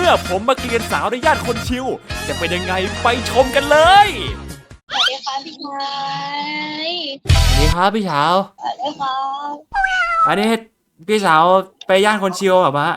อผมมาเกลียนสาวในย่านคนชิวจะเป็นยังไงไปชมกันเลยสวัสดีค่ะพี่ชายสวัสดีครับพี่สาวสวัสดีครับอันนี้พี่สาวไปย่านคนชิวแบบว่า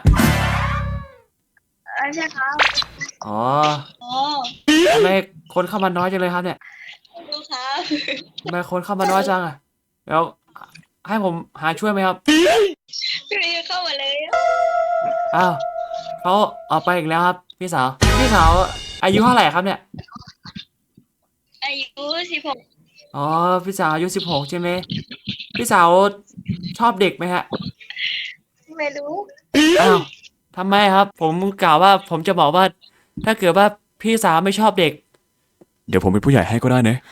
ใช่ครับอ๋ออ๋อทำไมคนเข้ามาน้อยจังเลยครับเนี่ยดูครับทำไมคนเข้ามาน้อยจังอะแล้วให้ผมหาช่วยไหมครับพี่เข้ามาเลยอ้าวเขาออกไปอีกแล้วครับพี่สาวอายุเท่าไหร่ครับเนี่ยอายุ16 อ๋อพี่สาวอายุ16ใช่ไหมพี่สาวชอบเด็กไหมฮะไม่รู้อ้าวทำไมครับผมกล่าวว่าผมจะบอกว่าถ้าเกิดว่าพี่สาวไม่ชอบเด็กเดี๋ยวผมเป็นผู้ใหญ่ให้ก็ได้นะ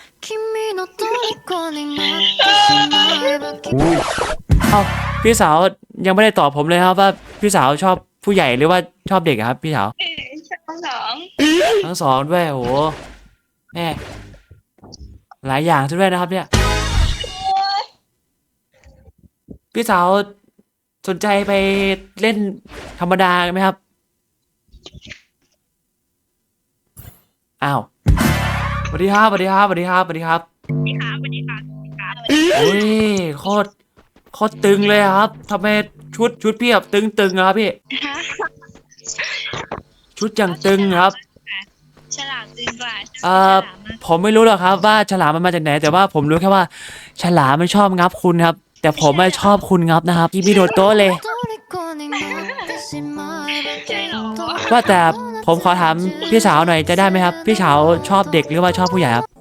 เอ้าพี่สาวยังไม่ได้ตอบผมเลยครับว่าพี่สาวชอบผู้ใหญ่หรือว่าชอบเด็กอะครับพี่สาวช่องสองทั้งสองด้วยโอ้โหแม่หลายอย่างซะด้วยนะครับเนี่ยพี่สาวสนใจไปเล่นธรรมดาไหมครับอ้าวสวัสดีครับสวัสดีครับสวัสดีครับสวัสดีครับสวัสดีครับสวัสดีครับโอ้ยโคตรตึงเลยครับทำไมชุดพี่แบบตึงอะครับพี่ชุดอย่างตึงครับฉลามตึงกว่าผมไม่รู้หรอกครับว่าฉลามมันมาจากไหนแต่ว่าผมรู้แค่ว่าฉลามมันชอบงับคุณครับแต่ผมไม่ชอบคุณงับนะครับกิมิโดโตะเลยใช่เหรอว่าแต่ผมขอถามพี่สาวหน่อยจะได้ไหมครับพี่สาวชอบเด็กหรือว่าชอบผู้ใหญ่ครับ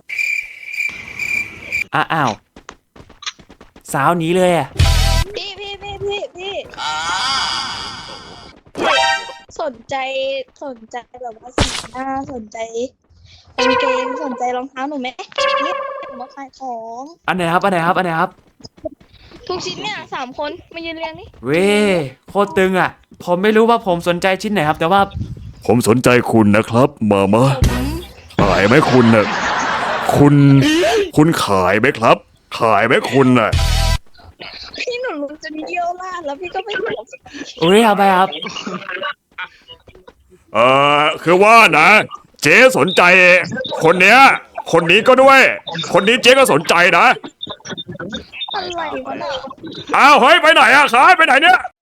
อ้าวสาวหนีเลยอ่ะพี่สนใจแบบว่าสีหน้าสนใจกางเกงสนใจรองเท้าหนูไหมเนี่ยหนูมาขายของอันไหนครับทุกชิ้นเนี่ย3 คนมายืนเรียงนี่เว้ยโคตรตึงอ่ะผมไม่รู้ว่าผมสนใจชิ้นไหนครับแต่ว่าผมสนใจคุณนะครับมาขายไหมคุณน่ะคุณขายไหมครับ ขายไหมคุณน่ะพี่หนูรู้จะเยี่ยวราดแล้วพี่ก็ไม่บอกอุ้ยเอาไปครับคือว่านะเจ๊สนใจคนเนี้ยคนนี้ก็ด้วย คนนี้เจ๊ก็สนใจนะอะไรวะน่ะอ้าวเฮ้ยไปไหนอะขายไปไหนเนี่ย